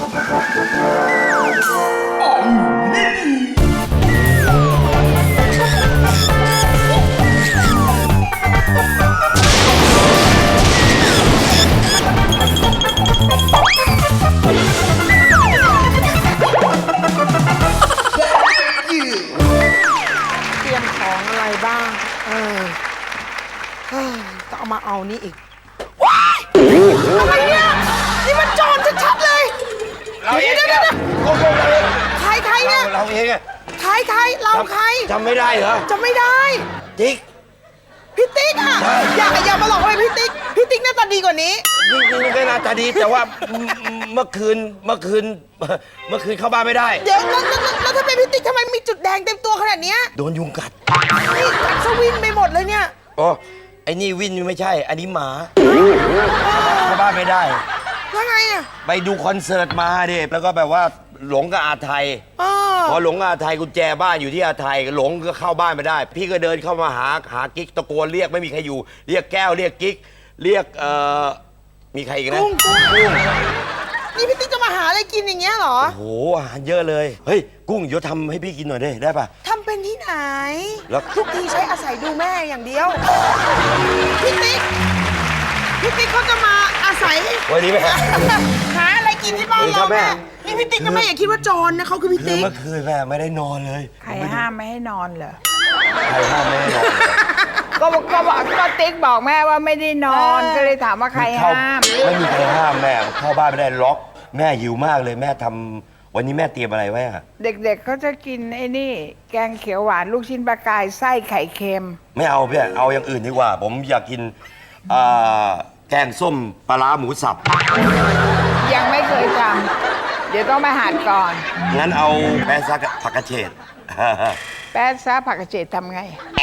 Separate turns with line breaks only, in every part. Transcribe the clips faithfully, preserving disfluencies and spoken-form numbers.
เตรียมของอะไรบ้างเออเฮ้ยต้องเอามาเอานี่อีกว้ายอะไรเนี่ยนี่มันโจรชัดๆเลยเราเองเนี่ยใครใครเนี่ย
เราเองอะ
ใครใครเราใคร
จำไม่ได้เหรอ
จำไม่ได้
ติ๊ก
พี่ติ๊กอะอย่าอย่ามาหลอกอะไรพี่ติ๊กพี่ติ๊กหน้าตาดีกว่านี้
จริงๆก็น่าจะดีแต่ว่าเมื่อคืนเมื่อคืนเมื่อคืนเข้าบ้านไม่ได้
เดี๋ยวแล้วแล้วแล้วแล้วถ้าเป็นพี่ติ๊กทำไมมีจุดแดงเต็มตัวขนาดเนี้ย
โดนยุงกัด
นี่สวินไปหมดเลยเนี่ย
อ๋อไอ้นี่วินไม่ใช่ อันนี้หมาเข้าบ้านไม่ได้
แล้วไงอะ
ไปดูคอนเสิร์ตมาดิแล้วก็แบบว่าหลงกับอาไทย
เออ
พอหลงกับอาไทยกุญแจบ้านอยู่ที่อาไทยหลงก็เข้าบ้านไม่ได้ พี่ก็เดินเข้ามาหาหากิ๊กตะโกนเรียกไม่มีใครอยู่ เรียกแก้วเรียกกิ๊กเรียกเอ่อมีใครอีกนะ
กุ้งกุ้ง
กุ้ง
นี่พี่ติ๊กจะมาหาอะไรกินอย่างเงี้ยเหรอ
โอ้โหอาหารเยอะเลยเฮ้ยกุ้งเดี๋ยวทำให้พี่กินหน่อยได้ได้ปะ
ทำเป็นที่ไหน
แล้ว
ทุกทีใช้อาศัยดูแม่อย่างเดียว พี่ติ๊ก พี่ติ๊กเขาจะมาอาศัย
วันนี้แม่
หาอะไรกินที่บ้าน
เออครั
เรา
บแม่
แม่นี่พี่ติ๊กนะแม่อย่าคิดว่าโจรนะเขาคือพี่
คือ
ติ๊ก
เมื่อคืนแม่ไม่ได้นอนเลย
ใครห้ามไม่ให้นอนเหรอ
ใครห้ามไม่ให้นอน
ก็บอกก็บอกก็ติ๊กบอกแม่ว่าไม่ได้นอน ก็เลยถามว่าใคร
เข้
ห้าม
ไม่มีใครห้ามแม่เข้าบ้านไม่ได้ล็อก แม่หิวมากเลยแม่ทำวันนี้แม่เตรียมอะไรไว้อะ
เด็กๆเขาจะกินไอ้นี่ แกงเขียวหวานลูกชิ้นปลากายไส้ไข่เค็ม
ไม่เอาพี่เอาอย่างอื่นดีกว่า ผมอยากกินอ่าแกงส้มปลาร้าหมูสับ
ยังไม่เคยทำเดี๋ยวต้องมาหัดก่อน
งั้นเอาแป้งซักผักกระเฉด
แป๊ดซะผักกระเฉดทำไง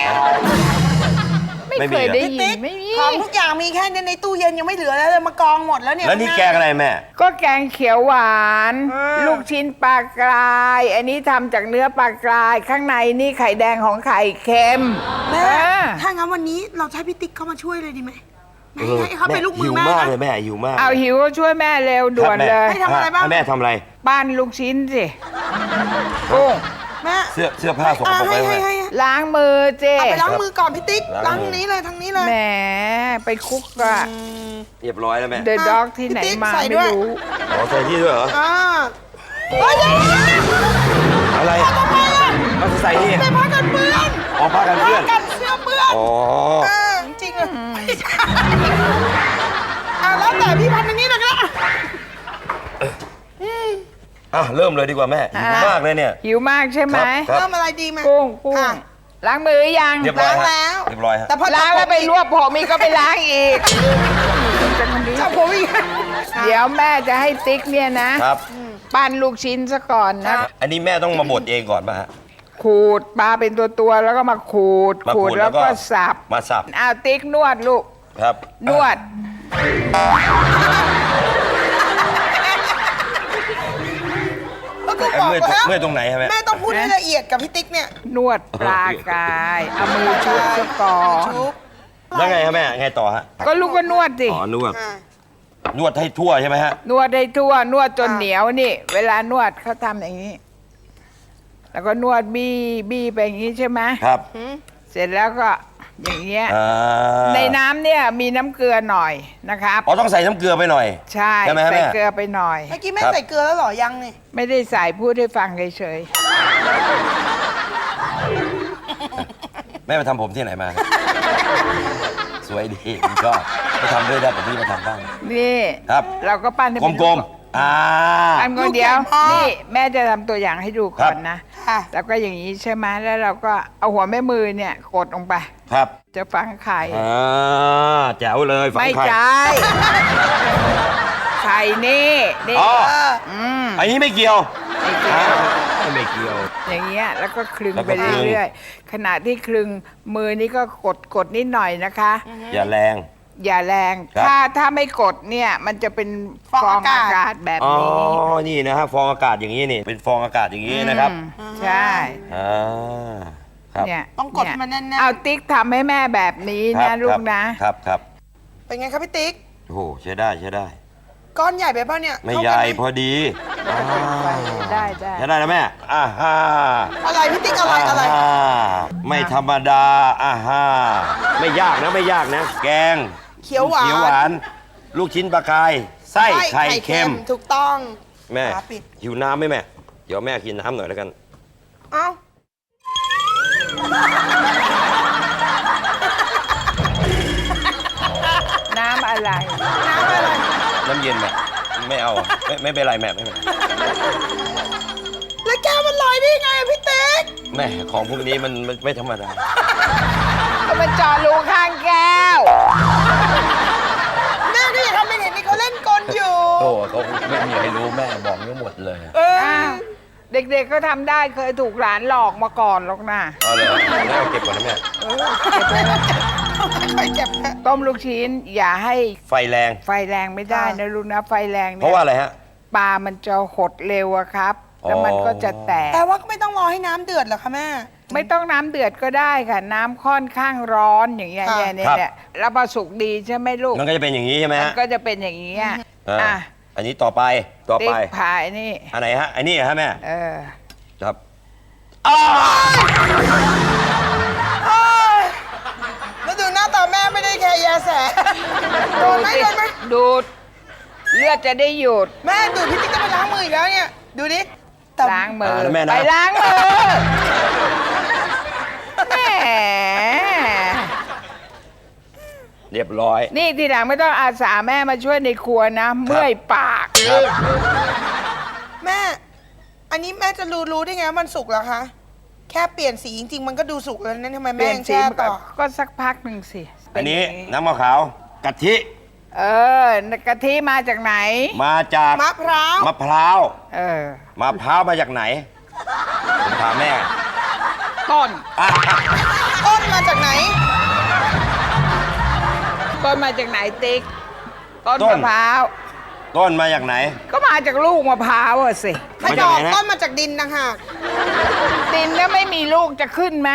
ไม่
ไม่มี
เคย
เหรอ
ได้
พี่
ยิน
ติ๊ก
ไม่มี
ของทุกอย่างมีแค่นี้ในตู้เย็นยังไม่เหลือแล้วเลยมากองหมดแล้วเนี่ย
แล้วนี่แกงอะไรแม่
ก็แกงเขียวหวาน
อ่า
ลูกชิ้นปลากราย อันนี้ทำจากเนื้อปลากราย ข้างในนี่ไข่แดงของไข่เค็ม
แม่
เออ
ถ้างั้นวันนี้เราใช้พี่ติ๊กเข้ามาช่วยเลยดีไหมไม่
เออ
ให้เขาเป็นลูกมื
หิ
อ
ว
แม่
มาก
นะ
เลยแม่หิวมาก
เอาหิวก็ช่วยแม่เร็วด่วนเลย
ให้ทำอะไรบ้าง
แม่ทำอะไร
ปั้นลูกชิ้นสิกุ้ง
แม่
เสื้อเสื้อผ้าสก
อ่า
ปรก
ให้
ไว้
ให้
แม่
ให้
ล้างมือเจ
เอาไปล้างมือก่อนพี่ติ๊ก
ล้า
ล้าง ง
มือ
นี้เลยทั้งนี้เลย
แหมไปคุกอะ
เรียบร้อยแล้วแม่
เดอะด็อกที่ไหน
พี่ติ๊ก
มา
ใส่
ไม่
ด้วย
รู้
ขอใส่ที่ด้วยเหรอ
อ่าเฮ้ยเดี๋ยว
อะไร
ทำไมอ่ะ
เอาใส่นี่
เป็นผ้ากันเปื้อน
อ๋อผ้ากันเปื้อน
ผ้ากันเสื้อเปื้อน
อ๋อ
เออจริงๆเลยไม่ใช่อ่ะแล้วแต่พี่พันธุ์อย่างนี้เลยก็ได้
อ่ะเริ่มเลยดีกว่าแม่หิวมากเลยเนี่ย
หิวมากใช่ไหม
ครับ
เริ่มอะไรดีไหม
กุ้งกุ้ง
อ่ะ
ล้างมือยัง
เรียบร้อย
ล้าง
ฮะ
แล้ว
เรียบร้อยฮะ
แต่พอ
ล้างแล้วไปรวบผมอีกก็ไปล้างอีก
จับผมอีก
เดี๋ยวแม่จะให้ติ๊กเนี่ยนะ
ครับ
ปั้นลูกชิ้นซะก่อนนะ
อันนี้แม่ต้องมาบดเองก่อนป่ะฮะ
ขูดปลาเป็นตัวตัวๆแล้วก็มาขูด
มาขูด
แล้ว
แล้วก็
ก็สับ
มาสับ
เอาติ๊กนวดลูก
ครับ
นวด
แล้วก็
เอ่อ
บอก
เมื่อย
แล้ว
เมื่อยตรงไหนฮะแม่
แม่ต้องพูดให้ละเอียดกับพี่ติ๊กเนี่ย
นวดปลากาย เอามือชุบซะก่อน
ชุบ
แล้วไงฮะแม่ไงต่อฮะ
ก็ลูกก็นวดสิ
อ๋อนวด
อ่ะ
นวดให้ทั่วใช่ไหมฮะ
นวดได้ทั่วนวดจน
อ่า
เหนียวนี่ เวลานวดเขาทำอย่างนี้ แล้วก็นวดบี้บี้ไปอย่างนี้ใช่ไหม
ครับ
เสร็จแล้วก็อย่างเงี้ย
อ่า
ในน้ำเนี่ยมีน้ำเกลือหน่อยนะครับ
อ๋อต้องใส่น้ำเกลือไปหน่อย
ใช่
ใช่ไหมฮะ
ใส่
แม่
เกลือไปหน่อย
เมื่อกี้แม่
ครับ
ใส่เกลือแล้วเหรอยังนี่
ไม่ได้ใส่พูดให้ฟังเฉย
แม่ไปทำผมที่ไหนมา สวยดีผมชอบไปทำด้วยได้แต่พี่มาทำบ้าง
ๆนี่
ครับ
เราก็ปั้นให้
ก
เป็น
ลมๆอ่า
ปั้นคนเดียว นี่แม่จะทำตัวอย่างให้ดูก่อนนะ
ค่ะ
แล้วก็อย่างนี้ใช่ไหมแล้วเราก็เอาหัวแม่มือเนี่ยกดลงไป
ครับ
จะฝังไข่
อ่าแจ๋วเลยฝัง
ไม่
ไข่
ใช่ไข่นี่นี่
อ๋อ
เออ
อืม
อันนี้ไม่เกี่ยว
ไม่เกี่ยว
อ่าไม่เกี่ยว
อย่างเงี้ยแล้วก็คลึง
แล้วก็
ไป
คลึง
เรื่อยๆขณะที่คลึงมือนี่ก็กดกดนิดหน่อยนะคะ
อย่าแรง
อย่าแรง
ครับ
ถ้าถ้าไม่กดเนี่ยมันจะเป็นฟ
ฟ
อ
อง ง
อา
อากาศ
กาศแบบ
อ๋อ
นี้
นี่นะฮะฟองอากาศอย่างนี้นี่ เป็นฟองอากาศอย่างนี้นะครับ
อืมใช่
อ่าครับ
เนี่ย
ต้องกดให้มันแน่นๆ
เอาติ๊กทำให้แม่แบบนี้
ครั
นะ
บ
ลู
ครั
ก
บ
นะ
ครับครับ
เป็นไงครับพี่ติ๊ก
โอ้โหใช้ได้ใช้ได้
ก้อนใหญ่ไปป่ะเนี่ย
ไม่
เท่า
ให
กัน
ญ่
ไหม
พอดี
ได้ได้
ใช้ได้แล้วแม่อ่าฮ่า
อะไรพี่ติ๊กอะไรอะไร
าไม่ธรรมดาอ่าฮ่าไม่ยากนะไม่ยากนะ แกง
เขียวหวาน
เขียวหวาน ลูกชิ้นปลากายไส้ไข่เค็ม
ถูกต้อง
แม่
ฝาปิด
หิวน้ำไหมแม่ เดี๋ยวแม่กินน้ำหน่อยแล้วกัน
เอ้า
น้ำอะไร
น้ำอะไร
น้ำเย็นแม่ไม่เอาไม่ไม่เป็นไรแม่ไม่เป็นไร
แล้วแก้วมันลอยได้ยังไงอะพี่ติ๊ก
แม่ของพวกนี้มันมันไม่ธรรมดา
ก็มันเจาะรูข้างแก้ว
แม่ก็อย่าทำเป็นเห็นนี่เขาเล่นกลอยู่
โอ้เขาไม่มีใครรู้แม่บอกทั้งหมดเลย
เออ
อ้าว เด็กๆก็ทำได้เคยถูกหลานหลอกมาก่อนหรอกนะ
เอาเลยแม่เอาเก็บก่อนนะแม่
ค่อยๆเก็บ
ต้มลูกชิ้นอย่าให้
ไฟแรง
ไฟแรงไม่ได้นะลูกนะ ไฟแรง
เพ
เนี่ย
ราะว่าอะไรฮะ
ปลามันจะหดเร็วอะครับ แล้วมัน
อ๋อ
ก็จะแตก
แต่ว่าก็ไม่ต้องรอให้น้ำเดือดเหรอคะแม่
ไม่ต้องน้ำเดือดก็ได้ค่ะ น้ำค่อนข้างร้อนอย่างเงี้ย
ค่ะ
เนี่ยเนี่ยเนี่ยแล้วพอสุกดีใช่ไหมลูก
มันก็จะเป็นอย่างนี้ใช่ไหม
มั
ฮะ
นก็จะเป็นอย่างนี้อ่ะ
อ่า
อ่ะ
อันนี้ต่อไปต่อ
ติ๊
ไป
กพายนี่
อันไหนฮะอันนี้ฮะแม่
เออ
ครับอ้าว
เอ้ยแล้วดูหน้าตาแม่ไม่ได้แค่ยาแสโดนไหมโดนไหม
ดูด เลือดจะได้หยุด
แม่ดูพี่ติ๊กจะไปล้างมืออีกแล้วเนี่ย ดูดิแต่
ล้างมือ
อ่าแล้วแม่นะ
ไปล้างมือแหม
เรียบร้อย
นี่ทีหลังไม่ต้องอาสาแม่มาช่วยในครัวนะ เมื่อยปาก
ครับ
แม่ อันนี้แม่จะรู้รู้ได้ไงว่ามันสุกแล้วคะ แค่เปลี่ยนสีจริงๆ มันก็ดูสุกแล้วนั่นทำไม
เป
แม่
ลี่ยน
ยัง
สี
แช่
มันก็
ต่อ
ก็สักพักหนึ่งสิ
อันนี้
เป็ย่าง
น้ำมะขาวกะทิ
เออกะทิมาจากไหน
มาจาก
มะพร้าว
มะพร้าว
เออ
มะพร้าวมาจากไหนผมถามแม่
ต้น
อ่ะ
ต้นมาจากไหน
ต้นมาจากไหนติ๊ก ต้นมะพร้าว
ต้นมาจากไหน
ก็มาจากลูกมะพร้าวอะสิ
ไม่
มา
ด
จาก
อก
ไหนนะ
ต้นมาจากดินนะคะ
ดินแล้วไม่มีลูกจะขึ้นไหม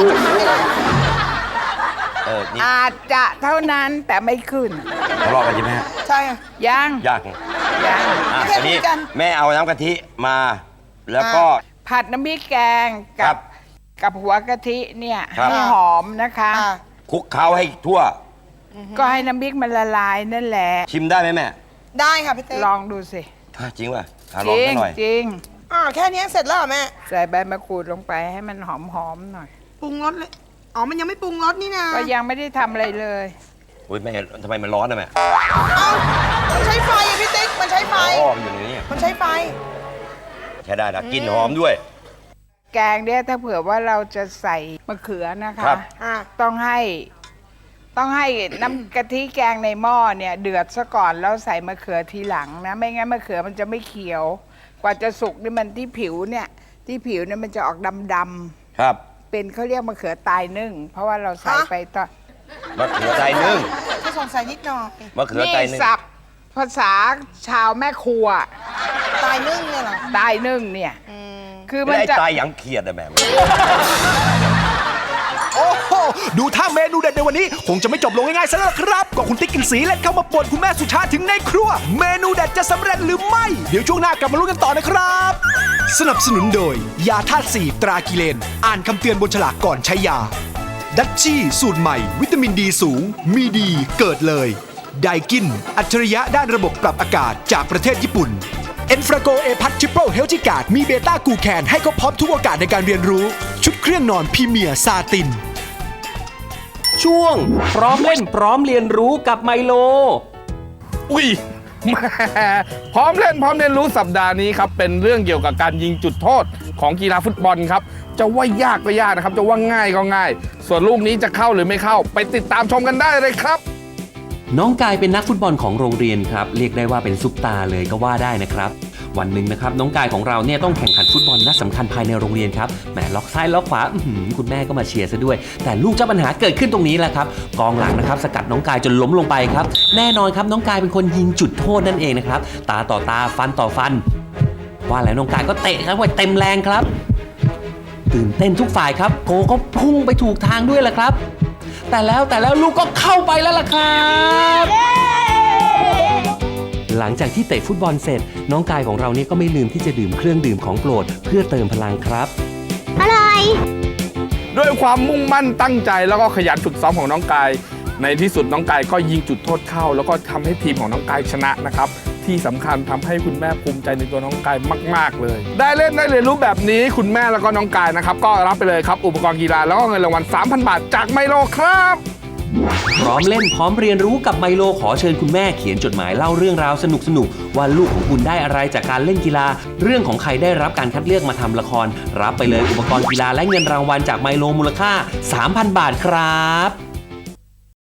เออนี่
อาจจะเท่านั้นแต่ไม่ขึ้น
ทะเลาะกันใช่ไหมฮะ
ใช่ค่ะ
ยัง
ยัง
ยัง
อ่ะ
ไม่ใช่
อันนี้
คุยกัน
แม่เอาน้ำกะทิมา แล้วก็
ผัดน้ำพริกแกง
ครั
กับ บกับหัวกะทิเนี่ย
ครับ
ให้หอมนะคะ
อ่า
คลุกเคล้าให้ทั่ว
ก็ให้น้ำพริกมันละลายนั่นแหละ
ชิมได้ไหมแม่
ได้ค่ะพี่เต้
ลองดูสิ
อ่ะจริงป่ะอ่ะ
จ
ลอง
ริ
สั
ง
กหน่อย
จริง
อ่าแค่นี้เสร็จแล้วเหรอแม่
ใส่ใบมะกรูดลงไปให้มันหอมๆหน่อย
ปรุงรสเลย อ๋อ มันยังไม่ปรุงรสนี่นะ
ก็ยังไม่ได้ทำอะไรเลย
อุ้ยแม่ทำไมมันร้อนนะแม่
เอ้ามันใช้ไฟอะพี่ติ๊ก มันใช้ไฟ
อ๋อมันอยู่ในนี้
มันใช้ไฟ
ใช้ได้นะกลินหอมด้วย
แกงเนี่ยถ้าเผื่อว่าเราจะใส่มะเขือนะคะ
ครับ
อ่า
ต้องให้ต้องให้น้ำกะทิแกงในหม้อเนี่ยเดือดซะก่อนแล้วใส่มะเขือทีหลังนะ ไม่งั้นมะเขือมันจะไม่เขียว กว่าจะสุกนี่มันที่ผิวเนี่ยที่ผิวเนี่ยมันจะออกดำๆ
ครับ
เป็นเขาเรียกมะเขือตายนึ่ง เพราะว่าเราใส่
ฮะ
ไปตอน
มะเขือไตนึ่ง
แค่สงสัยนิดหน่อย
มะเขือ
นี่
ไตนึ่ง
ศัพท์ภาษาชาวแม่ครัว
ตายนึ่งเนี่ยเหรอ
ตายนึ่งเนี่ย
อืม
คือมั
ไม่
น
ได้
จะ
ตายหยังเขียดอะแม่
โอ้โห ดูท่าเมนูเด็ดในวันนี้ คงจะไม่จบลงง่ายๆซะแล้วครับ ก็คุณติ๊กกินสีเล่นเข้ามาป่วนคุณแม่สุชาติถึงในครัว เมนูเด็ดจะสำเร็จหรือไม่ เดี๋ยวช่วงหน้ากลับมาลุ้นกันต่อนะครับ สนับสนุนโดย ยาธาตุสีตรากิเลน อ่านคำเตือนบนฉลากก่อนใช้ยา ดัชชี่สูตรใหม่ วิตามินดีสูง มีดีเกิดเลย ไดกิน อัจฉริยะด้านระบบปรับอากาศจากประเทศญี่ปุ่น เอ็นฟราโกเอพัททริปเปิลเฮลติการ์ดมีเบต้ากูแคนให้เขาพร้อมทุกโอกาสในการเรียนรู้ ชุดเครื่องนอนพรีเมียร์ซาติน
ช่วงพร้อมเล่นพร้อมเรียนรู้กับไมโล
อุ้ย แหม่พร้อมเล่นพร้อมเรียนรู้สัปดาห์นี้ครับเป็นเรื่องเกี่ยวกับการยิงจุดโทษของกีฬาฟุตบอลครับจะว่ายากก็ยากนะครับจะว่าง่ายก็ง่าย ส่วนลูกนี้จะเข้าหรือไม่เข้าไปติดตามชมกันได้เลยครับ
น้องกายเป็นนักฟุตบอลของโรงเรียนครับเรียกได้ว่าเป็นซุปตาเลยก็ว่าได้นะครับวันหนึ่งนะครับน้องกายของเราเนี่ยต้องแข่งขันฟุตบอลนัดสำคัญภายในโรงเรียนครับแหมล็อกซ้ายล็อกขวาอื้อหือคุณแม่ก็มาเชียร์ซะด้วย แต่ลูกเจ้าปัญหาเกิดขึ้นตรงนี้แหละครับกองหลังนะครับสกัดน้องกายจนล้มลงไปครับแน่นอนครับน้องกายเป็นคนยิงจุดโทษนั่นเองนะครับตาต่อตาฟันต่อฟัน ว่าแล้วน้องกายก็เตะครับไว้เต็มแรงครับตื่นเต้นทุกฝ่ายครับโกก็พุ่งไปถูกทางด้วยแหละครับแต่แล้วแต่แล้วลูกก็เข้าไปแล้วล่ะครับหลังจากที่เตะฟุตบอลเสร็จ น้องกายของเราเนี่ยก็ไม่ลืมที่จะดื่มเครื่องดื่มของโปรดเพื่อเติมพลังครับ
ด้วยความมุ่งมั่นตั้งใจแล้วก็ขยันฝึกซ้อมของน้องกาย ในที่สุดน้องกายก็ยิงจุดโทษเข้า แล้วก็ทำให้ทีมของน้องกายชนะนะครับที่สำคัญทำให้คุณแม่ภูมิใจในตัวน้องกายมากๆเลยได้เล่นได้เรียนรู้แบบนี้คุณแม่แล้วก็น้องกายนะครับก็รับไปเลยครับอุปกรณ์กีฬาแล้วก็เงินรางวัล สามพัน บาทจากไมโลครับ
พร้อมเล่นพร้อมเรียนรู้กับไมโลขอเชิญคุณแม่เขียนจดหมายเล่าเรื่องราวสนุกๆว่าลูกของคุณได้อะไรจากการเล่นกีฬาเรื่องของใครได้รับการคัดเลือกมาทำละครรับไปเลยอุปกรณ์กีฬาและเงินรางวัลจากไมโลมูลค่า สามพัน บาทครับ